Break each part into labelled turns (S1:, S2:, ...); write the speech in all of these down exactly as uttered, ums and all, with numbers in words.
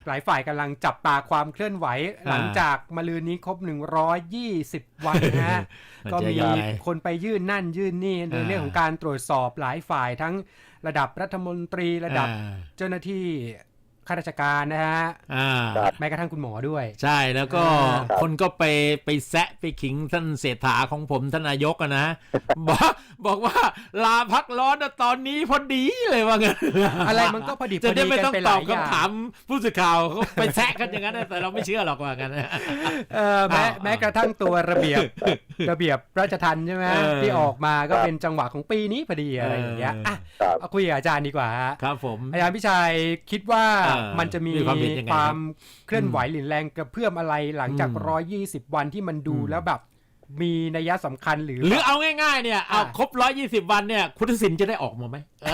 S1: หลายฝ่ายกำลังจับตาความเคลื่อนไหวหลังจากมะรืนนี้ครบหนึ่งร้อยยี่สิบวันนะฮะ ก็มีคนไปยื่นนั่นยื่นนี่ในเรื่องของการตรวจสอบหลายฝ่ายทั้งระดับรัฐมนตรีระดับเจ้าหน้าที่ข้าราชการนะฮะแม้กระทั่งคุณหมอด้วย
S2: ใช่แล้วก็คนก็ไปไปแซะไปขิงท่านเศรษฐาของผมท่านนายกนะบอกบอกว่าลาพักร้อนตอนนี้พอดีเลยว่างั้น
S1: อะไรมันก็พอดี
S2: จะได้ไม่ต้องตอบคำถามผู้สื่อข่าวเขาไปแซะกันอย่างนั้นแต่เราไม่เชื่อหรอกว่างั้น
S1: แม้แม้กระทั่งตัวระเบียบระเบียบราชทัณฑ์ใช่ไหมที่ออกมาก็เป็นจังหวะของปีนี้พอดีอะไรอย่างเงี้ยอ่ะเอาคุยกับอาจารย์ดีกว่า
S2: ครับผม
S1: อาจารย์พิชัยคิดว่ามันจะมีความเคลื่อนไหวหรือแรงกระเพื่อมอะไรหลังจากหนึ่งร้อยยี่สิบวันที่มันดูแล้วแบบมีนัยสำคัญหรือ
S2: หรือเอาง่ายๆเนี่ยเอาครบหนึ่งร้อยยี่สิบวันเนี่ยคุณทักษิณจะได้ออกมาไหม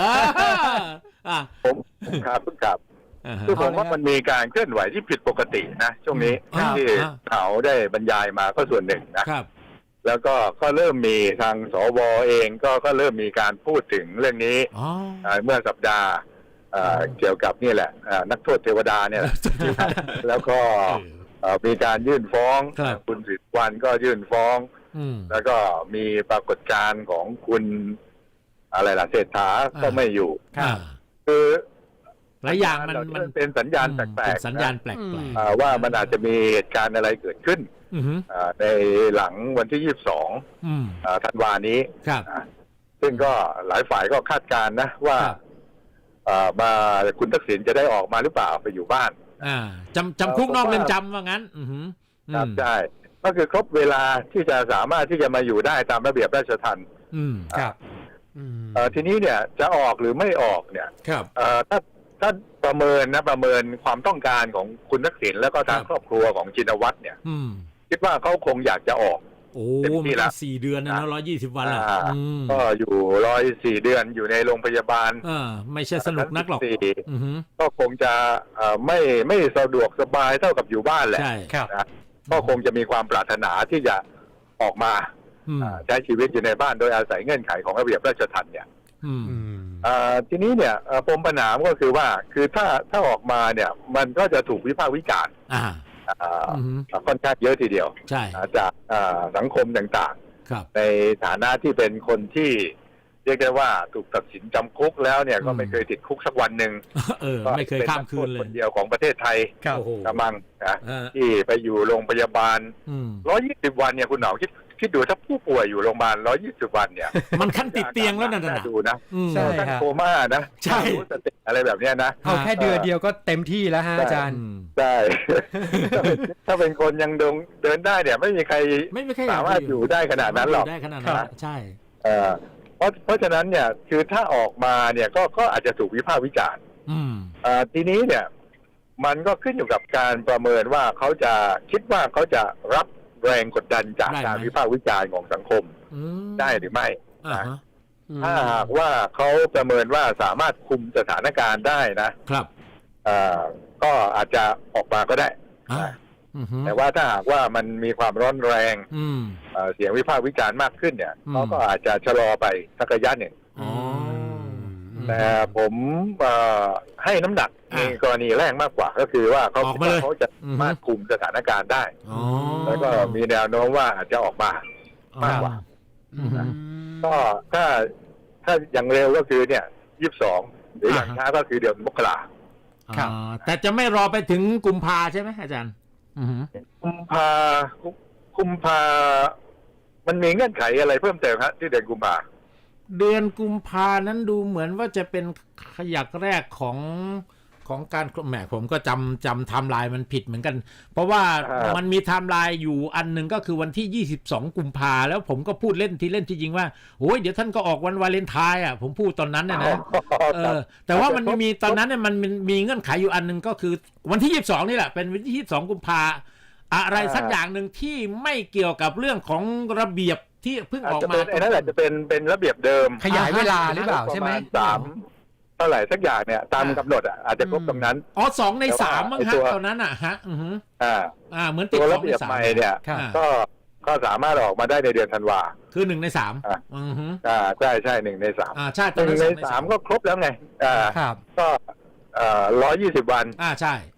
S3: ผมครับครับคือผมว่ามันมีการเคลื่อนไหวที่ผิดปกตินะช่วงนี้ที่เขาได้บรรยายมาก็ส่วนหนึ่งนะครับแล้วก็ก็เริ่มมีทางสวเองก็ก็เริ่มมีการพูดถึงเรื่องนี้เมื่อสัปดาห์เกี่ยวกับนี่แหละนักโทษเทวดาเนี่ยแล้วก็มีการยื่นฟ้องคุณสิทธิ์วันก็ยื่นฟ้องแล้วก็มีปรากฏการณ์ของคุณอะไรล่ะเศรษฐาก็ไม่อยู่คือ
S2: หลายอย่างมัน
S3: มันเป็นสัญญาณแปลก
S2: ๆสัญญาณแปลก
S3: ๆว่ามันอาจจะมีเหตุการณ์อะไรเกิดขึ้นในหลังวันที่ยี่สิบสองธันวานี้ซึ่งก็หลายฝ่ายก็คาดการณ์นะว่ามาคุณทักษิณจะได้ออกมาหรือเปล่าไปอยู่บ้าน
S2: จำจำคุกนอกเรือนจำว่างั้น
S3: ครับใช่ก็คือครบเวลาที่จะสามารถที่จะมาอยู่ได้ตามระเบียบราชทัณฑ์
S1: ครับ
S3: ทีนี้เนี่ยจะออกหรือไม่ออกเนี่ยถ้าถ้าประเมินนะประเมินความต้องการของคุณทักษิณแล้วก็ทางครอบครัวของชินวัตรเนี่ยคิดว่าเขาคงอยากจะออก
S2: โอ้มีละสี่เดือนนะร้อยยี่สิบวันละ
S3: ก็อยู่ร้อยสี่เดือนอยู่ในโรงพยาบาล
S2: ไม่ใช่สนุกนักหรอก
S3: ก็คงจะไม่ไม่สะดวกสบายเท่ากับอยู่บ้านแหละก็คงจะมีความปรารถนาที่จะออกมาใช้ชีวิตอยู่ในบ้านโดยอาศัยเงื่อนไขของระเบียบราชทัณฑ์เนี่ยทีนี้เนี่ยปมปัญหาก็คือว่าคือถ้าถ้าออกมาเนี่ยมันก็จะถูกวิพากษ์วิจารณ์ค่อนข้างเยอะทีเดียวจากสังคมต่างๆในฐานะที่เป็นคนที่เรียกได้ว่าถูกตัดสินจำคุกแล้วเนี่ยก็ไม่เคยติดคุกสักวันหนึ่ง
S2: ไม่เคยข้ามคืนเลย
S3: คนเดียวของประเทศไทยกำลังนะที่ไปอยู่โรงพยาบาลร้อยยี่สิบวันเนี่ยคุณหนอคิดคิดดูถ้าผู้ป่วยอยู่โรงพยาบาลร้อยยี่สิบวันเนี่ย
S2: มันขั้นติดเตียงแล้วนะ
S3: ดูนะใช่ครับโคม่านะ
S2: ใช่
S3: อะไรแบบนี้นะ
S1: เอาแค่เดือนเดียวก็เต็มที่แล้วฮะอาจารย์
S3: ใช่ถ้าเป็นคนยังเดินเดินได้เนี่ยไม่มีใครสามารถอยู่ได้ขนาดนั้นหรอก
S2: ได้ขนาดนั้นใช่
S3: เพราะเพราะฉะนั้นเนี่ยคือถ้าออกมาเนี่ยก็ก็อาจจะถูกวิพากษ์วิจารณ์ทีนี้เนี่ยมันก็ขึ้นอยู่กับการประเมินว่าเขาจะคิดว่าเขาจะรับแรงกดดันจากการวิพากษ์วิจารณ์ของสังคมได้หรือไม่ถ้าหากว่าเขาประเมินว่าสามารถคุมสถานการณ์ได้นะครับก็อาจจะออกมาก็ได้แต่ว่าถ้าหากว่ามันมีความร้อนแรงเสียงวิพากษ์วิจารณ์มากขึ้นเนี่ยเขาก็อาจจะชะลอไปสักระยะหนึ่งแต่ผมให้น้ำหนักในกรณีแรกมากกว่าก็คือว่าเขาเขาจะมาคุมสถานการณ์ได้แล้วก็มีแนวโน้มว่าอาจจะออกมามากกว่าก็ถ้าถ้าอย่างเร็วก็คือเนี่ยยี่สิบสองหรืออย่างช้าก็คือเดือนมกรา
S2: ครับแต่จะไม่รอไปถึงกุมภาใช่ไหมอาจารย์
S3: กุมภากุมภามันมีเงื่อนไขอะไรเพิ่มเติมฮะที่เดือนกุมภา
S2: เดือนกุมภานั้นดูเหมือนว่าจะเป็นขยักแรกของของการแหมผมก็จำจำไทม์ไลน์มันผิดเหมือนกันเพราะว่ามันมีไทม์ไลน์อยู่อันหนึ่งก็คือวันที่ยี่สิบสองกุมภาแล้วผมก็พูดเล่นที่เล่นที่จริงว่าโอ้ยเดี๋ยวท่านก็ออกวันวาเลนไทน์อ่ะผมพูดตอนนั้นนะนะเออแต่ว่ามันมีตอนนั้นเนี่ยมันมีเงื่อนไขอยู่อันหนึ่งก็คือวันที่ยี่สิบสองนี่แหละเป็นวันที่ยี่สิบสองกุมภาอะไรสักอย่างหนึ่งที่ไม่เกี่ยวกับเรื่องของระเบียบที่เพิ่งออกมา
S3: ไอ้นั่นแหละจะเป็นเป็นระเบียบเดิม
S1: ขยายเวลาหรือเปล่าใช่ไหม
S3: สามเท่าไหร่สักอย่างเนี่ยตามกำหนดอ่ะอาจจะครบตรงนั้น
S2: อ๋อสองในสามมั้งฮะตอนนั้นอ่ะฮะอืออ่าอ่าเหมือนติด
S3: ระเบียบใหม่เนี่ยก็ก็สามารถออกมาได้ในเดือนธันวา
S2: คือหนึ่งในสาม
S3: อืออ่าใช่ใช่หนึ่งในสาม
S2: อ่าใช่
S3: หนึ่งในสามก็ครบแล้วไงอ่าก็อ่าร้อยยี่สิบวัน
S2: อ่าใช่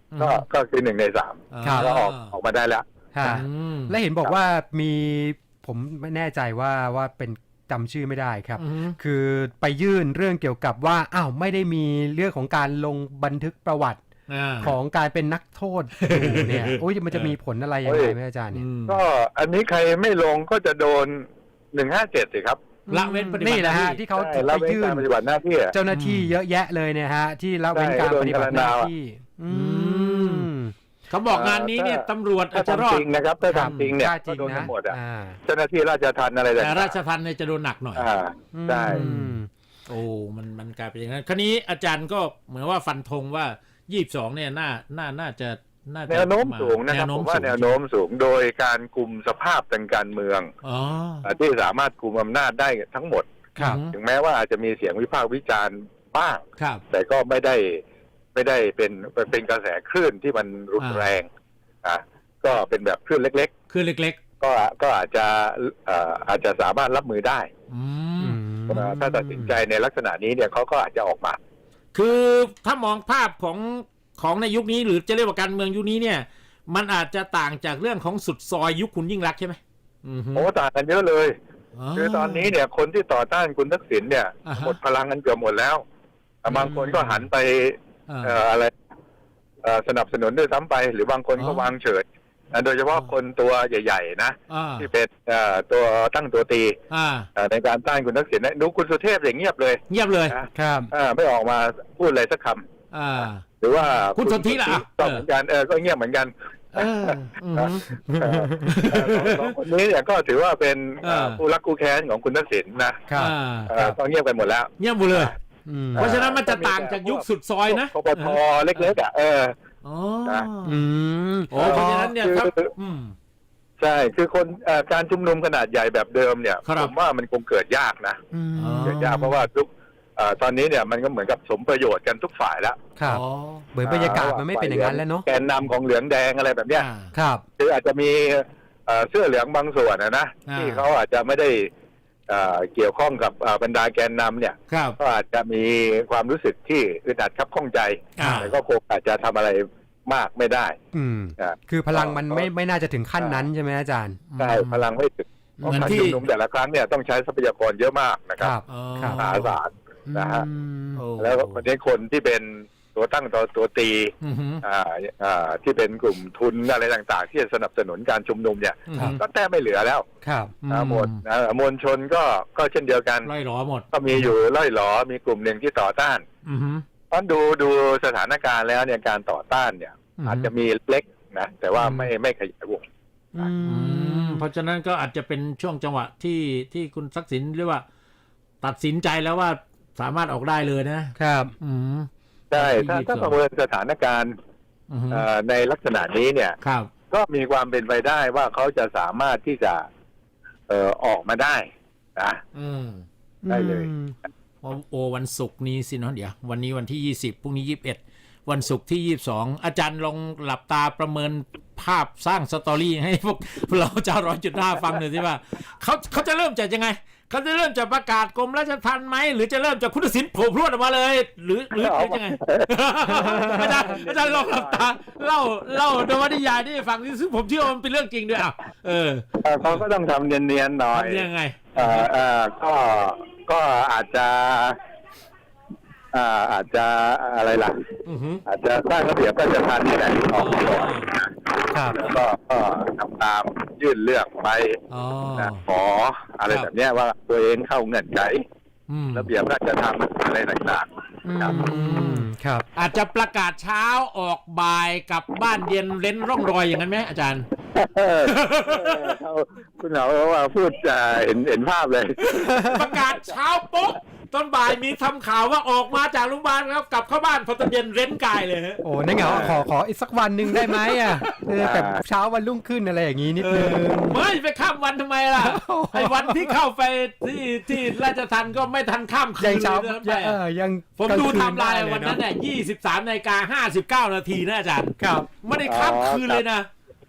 S3: ก็ก็คือหนึ่งในสาม
S1: ครับ
S3: ก็ออกออกมาได้แล้ว
S1: ฮะ
S2: อืม
S1: และเห็นบอกว่ามีผมไม่แน่ใจว่าว่าเป็นจำชื่อไม่ได้ครับ
S2: อืม
S1: คือไปยื่นเรื่องเกี่ยวกับว่าอ้าวไม่ได้มีเรื่องของการลงบันทึกประวัติ
S2: อ่า
S1: ของการเป็นนักโทษอยู่เนี่ยโอ้ยมันจะมีผลอะไรยังไงไหมอาจารย์เนี่ย
S2: อืม
S3: ก็อันนี้ใครไม่ลงก็จะโดนหนึ่งห้าเจ็ดสิครับ
S2: ละเว้นปฏิบัติ
S1: นี่แหละฮะ
S2: หน้าที่
S1: ที่เขา
S3: ใช่
S1: ไป
S3: ละเว้น
S1: ยื่
S3: การ
S1: น
S3: ปฏิบัติหน้าที่อะ
S1: เจ้าหน้าที่เยอะแยะเลยเนี่ยฮะที่ละเว้นการปฏิบัติหน้าที่อืม
S2: เขาบอกงานนี้เนี่ยตำรวจอา
S3: ถ้า
S2: จจะรอ
S3: ทำจ
S2: ด
S3: ริงนะครับถ้าทำจริงเนี่ย
S1: ถ้าจ
S3: ก็
S1: ริง
S3: โดนกั
S1: นะ
S3: นหมดอ่ะ
S1: อ่า
S3: เจ้าหน้าที่ราชทัณฑ์อะไรต่าง
S2: แต่
S3: ๆ
S2: ราชทัณฑ์เนี่ยจะโดนหนักหน่อย
S3: อ่าใช่
S1: อืม
S2: โอ้มันมันกลายเป็นอย่างนั้นคราวนี้อาจารย์ก็เหมือนว่าฟันธงว่ายี่สิบสองเนี่ยน่าน่าน่าจะน่าจะ
S3: แนวโน้มสูงนะครับผมว่าแนวโน้มสูงโดยการกลุ่มสภาพทางการเมือง
S2: อ๋อ
S3: ที่สามารถคุมอำนาจได้ทั้งหมด
S1: ครับ
S3: ถึงแม้ว่าอาจจะมีเสียงวิพากษ์วิจารณ์บ้าง
S2: ครับ
S3: แต่ก็ไม่ได้ไม่ได้เป็นเป็นกระแสคลื่นที่มันรุนแรงอ่ะก็เป็นแบบคลื่นเล็ก
S2: คือเล็ก
S3: ๆ ก็ก็อาจจะเอ่ออาจจะสามารถรับมือได้
S2: ๆอืม
S3: ถ้าตัดสินใจในลักษณะนี้เนี่ยเขาก็อาจจะออกมา
S2: คือถ้ามองภาพของของในยุคนี้หรือจะเรียกว่าการเมืองยุคนี้เนี่ย มันอาจจะต่างจากเรื่องของสุดซอยยุคคุณยิ่งรักษณ์ใช่ไหมอืมฮึ
S3: โอ้ต่างกันเยอะเลย คือตอนนี้เนี่ยคนที่ต่อต้านคุณทักษิณเนี่ย
S2: อ่าฮะ
S3: หมดพลังกันเกือบหมดแล้วแต่บางคนก็หันไป
S2: อ่า
S3: เอ่ออะไรเอ่อสนับสนุนด้วยซ้ำไป หรือบางคนก็
S2: อ๋อ
S3: วางเฉยนะโดยเฉพาะคนตัวใหญ่ๆนะ
S2: อ่า
S3: ที่เป็นเอ่อตัวตั้งตัวตี
S2: อ่า
S3: เอ่อในการต้านคุณทักษิณนะดูคุณสุเทพอย่างเงียบเลย
S2: เงียบเลย
S3: นะครับ เอ่อไม่ออกมาพูดอะไรสักคำ
S2: อ่า
S3: หรือว่า
S2: คุณสนธิล่ะ
S3: ก็เหมือนกันเออก็เงียบเหมือนกัน
S2: เอออืมฮึ
S3: เอ่อเอ่อสองคนนี้เนี่ยก็ถือว่าเป็นเอ่อ
S2: เออ
S3: ผู้รักคู่แค้นของคุณทักษิณนะครับ
S2: อ่า
S3: เอ่อก็เงียบกันหมดแล้ว
S2: เงียบหมดเลย
S1: อืม
S2: เพราะฉะนั้นมันจะต่างจากยุคสุดซอยนะ
S3: กปทเล็กๆอ่ะเออ
S2: อ๋อ
S3: นะ
S1: อืม
S2: โอ้เพราะฉะนั้นเนี่ยครับ
S3: คือ
S2: อืม
S3: ใช่คือคนเอ่อการชุมนุมขนาดใหญ่แบบเดิมเนี่ย
S2: ครับ
S3: ผมว่ามันคงเกิดยากนะ
S1: อืม
S2: อ๋อ
S3: เกิดยากเพราะว่าทุกเอ่อตอนนี้เนี่ยมันก็เหมือนกับสมประโยชน์กันทุกฝ่ายแล้ว
S1: ครับ
S2: อ๋อ
S1: เหมือนบรรยากาศมันไม่เป็นอย่างนั้นแล้วเนาะ
S3: แกนนำของเหลืองแดงอะไรแบบเนี้ย
S2: อ่า
S1: ครับ
S3: คืออาจจะมีเอ่อเสื้อเหลืองบางส่วนนะนะ
S2: อ่า
S3: ที่เขาอาจจะไม่ได้เอ่อเกี่ยวข้องกับเอ่อบรรดาแกนนำเนี่ย
S2: ครับ
S3: ก็อาจจะมีความรู้สึกที่อึดอัดคับข้องใจ
S2: อ่า
S3: แต่ก็คงอาจจะทำอะไรมากไม่ได้
S1: อืม
S3: นะ
S1: คือพลังมันไม่ไม่น่าจะถึงขั้นนั้นใช่ไหมอาจารย์
S3: ใช่พลังไม่ถึงเพราะ
S2: เหมือน
S3: การ
S2: ที่
S3: ชุมนุมแต่ละครั้งเนี่ยต้องใช้ทรัพยากรเยอะมากนะค
S1: ครับ รับ
S2: อ๋อ
S1: ครับ
S3: มหาศาล นะฮะ
S1: อืม
S2: โอ้
S3: แล้วคนนี้คนที่เป็นตัวตั้งตัวตัวตี
S2: อือฮึ
S3: อ่าอ่าที่เป็นกลุ่มทุนอะไรต่างๆ ที่จะสนับสนุนการชุมนุมเนี่ย
S2: อือฮึ
S3: ก็แทบไม่เหลือแล้ว
S1: ครับ
S3: นะหมดนะมวลชนก็ก็เช่นเดียวกัน
S2: ไล่หลอหมด
S3: ก็มีอยู่ล่อยหลอมีกลุ่มหนึ่งที่ต่อต้าน
S2: อือฮึ
S3: เพราะดูดูสถานการณ์แล้วเนี่ยการต่อต้านเนี่ย
S2: อือฮึ
S3: อาจจะมีเล็กนะแต่ว่าไม่ไม่ขยายวง
S1: อื
S2: อื
S1: ม
S2: มเพราะฉะนั้นก็อาจจะเป็นช่วงจังหวะที่ที่คุณทักษิณเรียกว่า ตัดสินใจแล้วว่าสามารถออกได้เลยนะครับ อืม
S3: ใช่ถ้า
S2: ยี่สิบสอง
S3: ถ้าประเมินสถานการณ์
S2: อือฮึ
S3: เอ่อในลักษณะนี้เนี่ย
S2: ครับ
S3: ก็มีความเป็นไปได้ว่าเขาจะสามารถที่จะเอ่อออกมาได้นะ
S2: อืม
S3: ได้เลย
S1: อืม
S2: โอโอวันศุกร์นี้สิเนาะเดี๋ยววันนี้วันที่ยี่สิบพรุ่งนี้ยี่สิบเอ็ดวันศุกร์ที่ยี่สิบสองอาจารย์ลองหลับตาประเมินภาพสร้างสตอรี่ให้พวกเราชาวร้อยจุดห้าฟังหน่อยสิว่าเขาเขาจะเริ่มจากยังไงเขาจะเริ่มจากประกาศกรมราชทัณฑ์ไหมหรือจะเริ่มจากคุณทักษิณโผล่พรวดออกมาเลย หรือหรือหรือยังไง อาจารย์อาจารย์ลองหลับตาเล่าเล่านวนิยายที่ฟังซึ่งผมเชื่อว่ามันเป็นเรื่องจริงด้วยอ่ะเออ
S3: เอ่อเขาก็ต้องทำเนียนๆหน่อย
S2: ทำยังไง
S3: เอ่อเอ่อก็ก็อาจจะอ่าอาจจะอะไรล่ะ
S2: อือฮึ
S3: อาจจะสร้างระเบียบราชทัณฑ์นี่แหละออกมาก่อน
S1: ครับ
S3: แล้วก็ก็ทำตามยื่นเรื่องไป
S2: อ๋อ
S3: นะขออะไร
S2: ครับ
S3: แบบเนี้ยว่าตัวเองเข้าเงื่อนไข
S2: อืม
S3: ระเบียบราชทัณฑ์อะไรต่างๆครับ
S1: อืมครับ
S2: อาจจะประกาศเช้าออกบ่ายกลับบ้านเย็นเร้นร่องรอยอย่างนั้นไหมอาจารย์
S3: เออเขาคุณเหนาว่าพูดจะเห็นเห็นภาพเลย
S2: ประกาศเช้าปุ๊บตอนบ่ายมีทำข่าวว่าออกมาจากโรงพยาบาลครับกลับเข้าบ้านพอตอนเย็นเร้นกายเลยฮะ
S1: โอ้นั่นเหงาขอขออีกสักวันหนึ่งได้ไหมอ่ะเออแบบเช้าวันรุ่งขึ้นอะไรอย่างงี้นิดนึง
S2: ไม่ไปข้ามวันทำไมล่ะ ไอ้วันที่เข้าไปที่ที่ราชทัณฑ์ก็ไม่ทันข้ามคื
S1: ยัง
S2: น
S1: เช้า
S2: เลยนะ
S1: ยังเออยัง
S2: ผมดูไทม์ไลน์
S1: กลางคื
S2: วันนั้น
S1: ได้
S2: เนี่ยยี่สิบสามนาฬิกาห้าสิบเก้านาทีนะอาจารย์
S1: ครับ
S2: ไม่ได้ข้ามคืนเลยนะ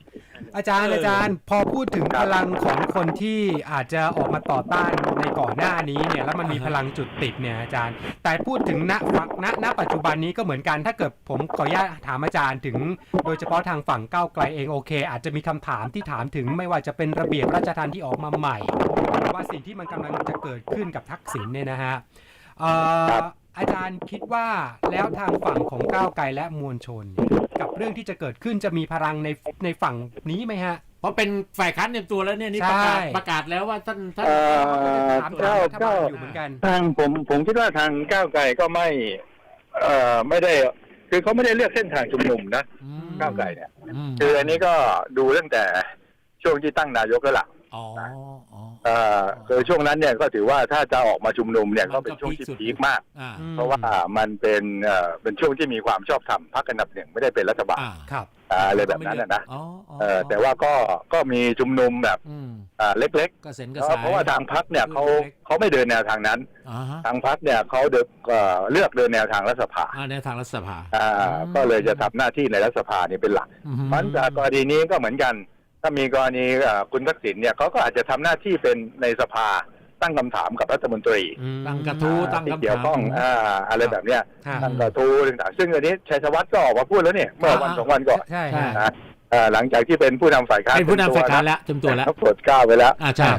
S1: อาจารย์อาจารย์พอพูดถึงพลังของคนที่อาจจะออกมาต่อต้านในก่อนหน้านี้เนี่ยแล้วมันมีพลังจุดติดเนี่ยอาจารย์แต่พูดถึงณฝั่งณณปัจจุบันนี้ก็เหมือนกันถ้าเกิดผมขออนุญาตถามอาจารย์ถึงโดยเฉพาะทางฝั่งก้าวไกลเองโอเคอาจจะมีคำถามที่ถามถึงไม่ว่าจะเป็นระเบียบราชทัณฑ์ที่ออกมาใหม่หรือว่าสิ่งที่มันกำลังจะเกิดขึ้นกับทักษิณเนี่ยนะฮะเอ่ออาจารย์คิดว่าแล้วทางฝั่งของก้าวไกลและมวลชนกับเรื่องที่จะเกิดขึ้นจะมีพลังในในฝั่งนี้ไหมฮะ
S2: เพราะเป็นฝ่ายค้านเต็มตัวแล้วเนี่ยนี่ประกาศประกาศแล้วว่าท่านท่าน
S1: ถามก้าวไกลอยู่เหมือนกัน
S3: ทางผมผมคิดว่าทางก้าวไกลก็ไม่เอ่อไม่ได้คือเขาไม่ได้เลือกเส้นทางชุมนุมนะก้าวไกลเนี่ยคืออันนี้ก็ดูตั้งแต่ช่วงที่ตั้งนายกแล้วล่ะ
S2: อ๋อ
S3: เอ่อคือช่วงนั้นเนี่ยก็ถือว่าถ้าจะออกมาชุมนุมเนี่ยก็เป็นช่วงที่พีคมากเพราะว่ามันเป็นเอ่อเป็นช่วงที่มีความชอบธรรมพรรคอันดับหนึ่งไม่ได้เป็นรัฐบาล
S1: ครับ
S3: อะไรแบบนั้นนะเออแต่ว่าก็ก็มีชุมนุมแบบอ่าเล็กๆเพราะว่าทางพรรคเนี่ยเขาเขาไม่เดินแนวทางนั้นทางพรรคเนี่ยเขาเดินเลือกเดินแนวทางรัฐสภา
S2: แนวทางรัฐสภา
S3: อ่าก็เลยจะทำหน้าที่ในรัฐสภานี่เป็นหลักมันจากกรณีนี้ก็เหมือนกันถ้ามีกรณีคุณทักษิณเนี่ยเขาก็อาจจะทำหน้าที่เป็นในสภาตั้งคำถามกับรัฐมนตรี
S2: ตั้งกระทู้ตั้งคำถาม
S3: เกี่ยวข้องอ่าอะไรแบบเนี้ยตั้งกระทู้ต่างๆซึ่งอันนี้ชัยธวัฒน์ก็ออกมาพูดแล้วเนี่ยเมื่อวันสองวันก่อน
S1: ใช่
S3: นะหลังจากที่เป็นผู้นำฝ่ายค้าน
S2: เป็นผู้นำฝ่ายค้านแล้วเต็มตัวแล้ว
S3: เขาโปรดเกล้าไปแล้ว
S2: อ่าใช่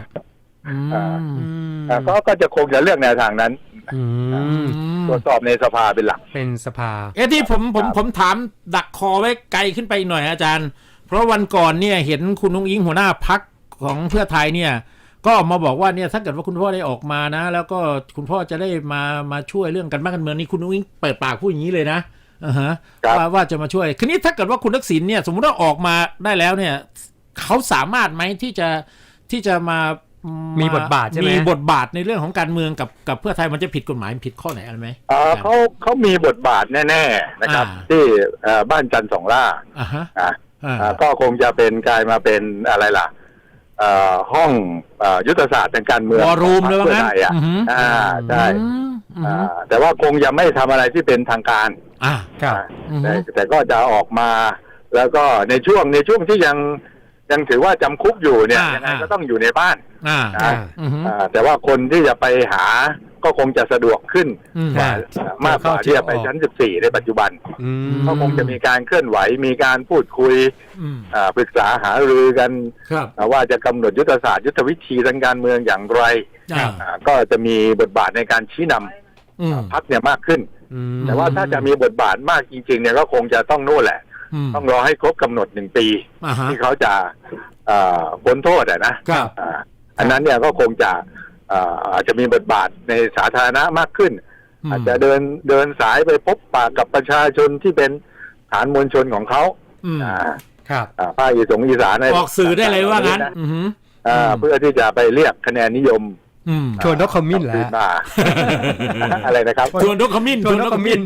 S3: ก็ก็จะคงจะเลือกแนวทางนั้นตรวจสอบในสภาเป็นหลัก
S1: เป็นสภา
S2: เอ๊ะที่ผมผมผมถามดักคอไว้ไกลขึ้นไปหน่อยอาจารย์เพราะวันก่อนเนี่ยเห็นคุณนุ้งอิงหัวหน้าพรรคของเพื่อไทยเนี่ยก็มาบอกว่าเนี่ยถ้าเกิดว่าคุณพ่อได้ออกมานะแล้วก็คุณพ่อจะได้มามาช่วยเรื่องการบ้านการเมืองนี่คุณนุ้งอิงเปิดปากพูดอย่างนี้เลยนะอ่าฮะว่าว่าจะมาช่วยคืนนี้ถ้าเกิดว่าคุณทักษิณเนี่ยสมมติว่าออกมาได้แล้วเนี่ยเขาสามารถไหมที่จะที่จะมา
S1: มีบทบาทใช่ไหม
S2: มีบทบาทในเรื่องของการเมืองกับกับเพื่อไทยมันจะผิดกฎหมายผิดข้อไหนอะไรไหม
S3: อ่าเขาเขามีบทบาทแน่ๆนะครับที่บ้านจันทร์สองล่า
S2: อ่าฮะ
S3: ก็คงจะเป็นกลายมาเป็นอะไรล่ะห้องยุทธศาสตร์ทางการเมือง
S2: วอรูมเลยว่างั้น
S3: อ่าใช่แต่ว่าคงยังไม่ทำอะไรที่เป็นทางการ
S2: อ่าครับ
S3: แต่แต่ก็จะออกมาแล้วก็ในช่วงในช่วงที่ยังยังถือว่าจำคุกอยู่เนี่ยยังไงก็ต้องอยู่ในบ้านแต่ว่าคนที่จะไปหาก็คงจะสะดวกขึ้นมากกว่าที่จะไปชั้นสิบสี่ในปัจจุบันก็คงจะมีการเคลื่อนไหวมีการพูดคุยปรึกษาหารือกันว่าจะกำหนดยุทธศาสตร์ยุทธวิธีทางการเมืองอย่างไรก็จะมีบทบาทในการชี้นำพรรคเนี่ยมากขึ้นแต่ว่าถ้าจะมีบทบาทมากจริงๆเนี่ยก็คงจะต้องโน่นแหละต้องรอให้ครบกำหนดหนึ่งปีที่เขาจะพ้นโทษนะอันนั้นเนี่ยก็คงจะอาจจะมีบทบาทในสาธารณะมากขึ้นอาจจะเดินเดินสายไปพบปะกับประชาชนที่เป็นฐานมวลชนของเขา
S1: ครับ
S3: ภาคอีสานอีสาน
S2: ออกสื่อได้เลยว่างั้น
S3: เพื่อที่จะไปเรียกคะแนนนิยม
S1: ชวนนกขมิ้นแหละ
S3: อะไรนะครับ
S2: ชวนนกขมิ้นชวนนกขมิ้น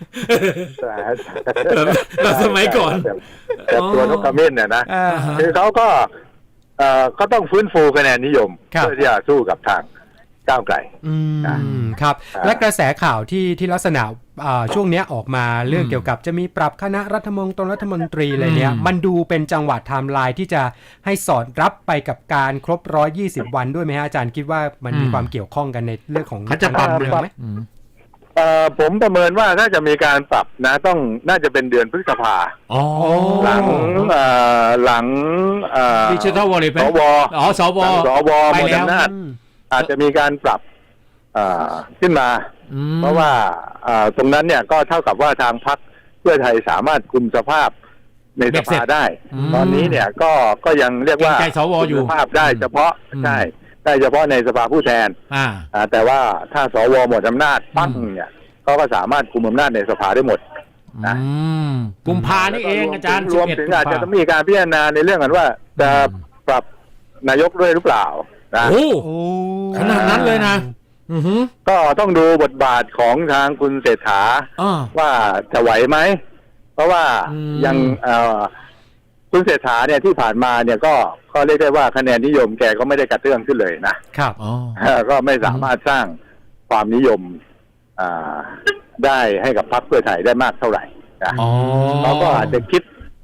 S2: เราสมัยก่อน
S3: แต่ชวนนกขมิ้นเนี่ยนะคือเขาก็เอ่อก็ต้องฟื้นฟูคะแนนนิยมเพื่อที่จะสู้กับทางก้าวไกล
S1: อืมครับและกระแสข่าวที่ที่ลักษณะช่วงนี้ออกมาเรื่องเกี่ยวกับจะมีปรับคณะรัฐมนตรีรัฐมนตรีอะไรเนี้ยมันดูเป็นจังหวะไทม์ไลน์ที่จะให้สอดรับไปกับการครบหนึ่งร้อยยี่สิบวันด้วยไหมฮะอาจารย์คิดว่ามันมีความเกี่ยวข้องกันในเรื่องของ
S2: การ
S1: เมืองไหม
S3: เอ่อผมประเมินว่าน่าจะมีการปรับนะต้องน่าจะเป็นเดือนพฤษภา
S2: อ๋อ
S3: หลังเอ่อหลังเอ่อ
S2: ดิจิทัลวอลเล็ต
S3: สว
S2: อ๋อสว
S3: สวหมดอำนาจอาจจะมีการปรับอ่าขึ้นมาเพราะว่าอ่าตรงนั้นเนี่ยก็เท่ากับว่าทางพรรคเพื่อไทยสามารถคุมสภาพในสภาได้ตอนนี้เนี่ยก็ก็ยังเรียกว่าคุมสภาพได้เฉพาะใช่ได้เฉพาะในสภาผู้แทน
S2: อ่า
S3: แต่ว่าถ้าสวหมดอำนาจปั้งเนี่ยเขาก็สามารถคุมอำนาจในสภาได้หมดนะ
S2: กุมภานี่เองอาจารย์
S3: รวมถึงอาจจะต้องมีการพิจารณาในเรื่องกันว่าจะปรับนายกด้วยหรือเปล่านะ
S2: โอ้ขนาดนั้นเลยนะ
S3: ก็ต้องดูบทบาทของทางคุณเศรษฐาว่าจะไหวไหมเพราะว่ายังคุณเศรษฐาเนี่ยที่ผ่านมาเนี่ยก็ก็เรียกได้ว่าคะแนนนิยมแกก็ไม่ได้กระเตื้องขึ้นเลยนะครับก็ไม่สามารถสร้างความนิยมได้ให้กับพรรคเพื่อไทยได้มากเท่าไหร่นะเขาก็อาจจะคิด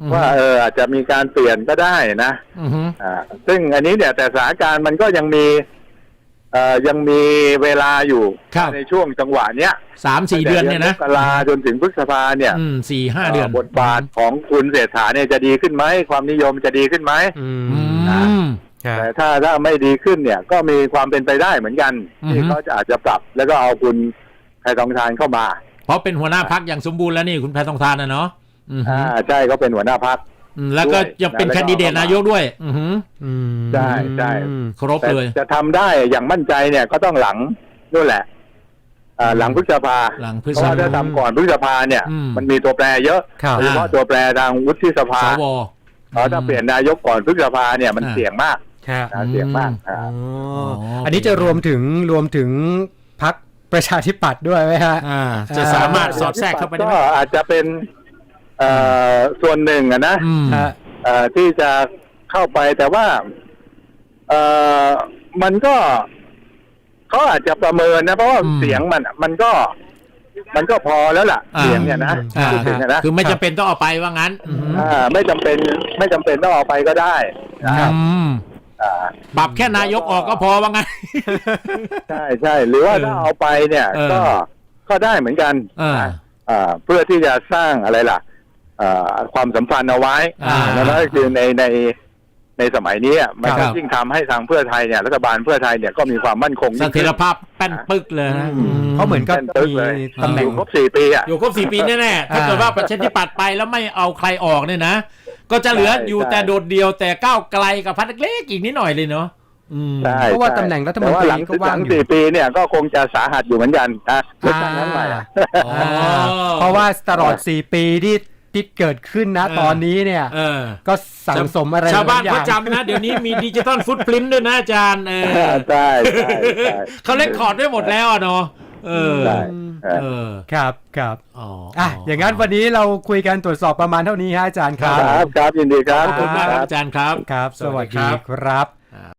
S3: ว่าเอออาจจะมีการเปลี่ยนก็ได้นะ
S2: อือฮึ
S3: อ่าซึ่งอันนี้เนี่ยแต่สถานการณ์มันก็ยังมีเอ่อยังมีเวลาอยู่
S2: ครับ
S3: ในช่วงจังหวะเนี้ย
S2: สามสี่เดือนเนี่ยนะ
S3: มกราจนถึงพฤษภาเนี่ย
S2: อืมสี่ห้าเดือน
S3: บทบาทของคุณเศรษฐาเนี่ยจะดีขึ้นไหมความนิยมจะดีขึ้นไหม
S1: อื
S2: อื
S1: ม
S2: ม
S1: ครับ
S3: แต่ถ้าถ้าไม่ดีขึ้นเนี่ยก็มีความเป็นไปได้เหมือนกัน
S2: อือฮึ
S3: ที่เขาจะอาจจะปรับ แล้วก็เอาคุณแพทองทานเข้ามา
S2: เพราะเป็นหัวหน้าพักอย่างสมบูรณ์แล้วนี่คุณแพทองทานนะเนาะอือฮึ
S3: อ่าใช่เขาเป็นหัวหน้าพรรค
S2: อืมแล้วก็ยังเป็น
S3: ด้วย
S2: แคนดิเดตนายกด้วย อือฮึ
S1: อืม
S3: ใช่ใช่
S2: ครบ
S3: แต่
S2: เลย
S3: จะทำได้อย่างมั่นใจเนี่ยก็ต้องหลังนู่นแหละอ่าหลังพฤษภา
S2: หลังพฤ
S3: เพ
S2: ษ
S3: ราะ
S2: ภา
S3: ว่าถ้าทำก่อนพฤษภาเนี่ย
S2: อืม
S3: มันมีตัวแปรเยอะ
S1: ครับ
S3: โดยเฉพาะตัวแปรทางวุฒิสภา
S2: สว
S3: เพราะถ้าเปลี่ยนนายกก่อนพฤษภาเนี่ยมัน
S2: อ่า
S3: เสี่ยงมาก
S1: ครับ
S3: นะเสี่ยงมาก
S1: อ๋
S3: อ่า
S1: อ
S2: อ๋อ
S1: อันนี้จะรวมถึงรวมถึงพรรคประชาธิปัตย์ด้วยไหมฮะ
S2: อ่าจะสามารถสอดแทรกเข้าไปได้
S3: ก็
S2: ไหม
S3: อาจจะเป็นเอ่อส่วนหนึ่งอะนะ
S2: อืม
S1: ฮะ
S3: เอ่อที่จะเข้าไปแต่ว่าเอ่อมันก็เขาอาจจะประเมินนะเพราะว่า
S2: อืม
S3: เสียงมันมันก็ มันก็พอแล้วล่ะ
S2: อ่า
S3: เสียงเนี่ยนะ
S2: อ่า
S3: พูดถึงอะนะ
S2: คือไม่จำเป็นต้องเอาไปว่างั้น อืม
S3: อ่าไม่จำเป็นไม่จำเป็นต้องเอาไปก็ได้นะครับ
S2: อืม
S3: อ่า
S2: ปรับแค่นายกออกก็พอว่างั้น
S3: ใช่ใช่หรือว่า
S2: เออ
S3: ถ้าเอาไปเนี่ย
S2: เออ
S3: ก็ก็ได้เหมือนกัน
S2: เออ
S3: นะอ่าเพื่อที่จะสร้างอะไรล่ะอ่าความสัมพันธ์เอาไว้
S2: อ่า
S3: แล้วก็คือในในในสมัยนี้อ่ะมัน
S2: ครั
S3: ก็
S2: บ
S3: ยิ่งทำให้ทางเพื่อไทยเนี่ยรัฐบาลเพื่อไทยเนี่ยก็มีความมั่นคง
S2: เส
S3: ยิ่ง
S2: ถี
S3: ขึ้
S2: ย
S3: น
S2: รภาพแป้นปึ๊กเลยนะ
S1: อืมเขาเหมือนกับ
S3: เป็นตึ๊ก
S1: มี
S3: เลย
S1: ตำแหน่ง
S3: อยู่ครบสี่ปีอ่ะ
S2: อยู่ครบสี่ปีแน่ๆถ้าเกิดว่าประชาธิปัตย์ไปแล้วไม่เอาใครออกเนี่ยนะ ก็จะเหลือ
S3: ใช่
S2: อยู่
S3: ใช่
S2: แต่โดดเดียวแต่ก้าวไกลกับพักเล็กๆอีกนิดหน่อยเลยเนาะอืม
S3: ใช่
S1: เพราะว่า
S3: ใช่
S1: ตำแหน่งรัฐมนตรี
S3: แต่ว่าหลัง
S1: ก็ว่าง
S3: หลัง
S1: อยู่
S3: สี่ปีเนี่ยก็คงจะสาหัสอยู่เหมือนกันนะเลือกตั้งครั้งใหม่อะ
S2: อ๋อ
S1: เพราะว่าตลอดสี่ปีที่ที่เกิดขึ้นนะ
S2: เออ
S1: ตอนนี้เนี่ย
S2: เออ
S1: ก็สั่งสมอะไร
S2: ชาวบ้าน
S1: หลยอย่
S2: เขา
S1: ง
S2: จำนะ เดี๋ยวนี้มีดิจิตอลฟุตพริ้นด้วยนะอาจารย์เออ
S3: ใช่ใช่ใช่
S2: เขาเล่นคอร์ดได้หมดแล้วอะเนาะเออ
S3: ใช่เออ
S2: เออ
S1: ครับครับ
S2: อ๋อ
S1: อ่ะอย่างนั้นวันนี้เราคุยกันตรวจสอบประมาณเท่านี้ฮะอาจารย์ค
S3: ค
S1: รั
S3: รับ บครับยินดีครับ
S2: ขอบคุณมากครับอาจารย์ครับ
S1: ครับ สวัสดีครับ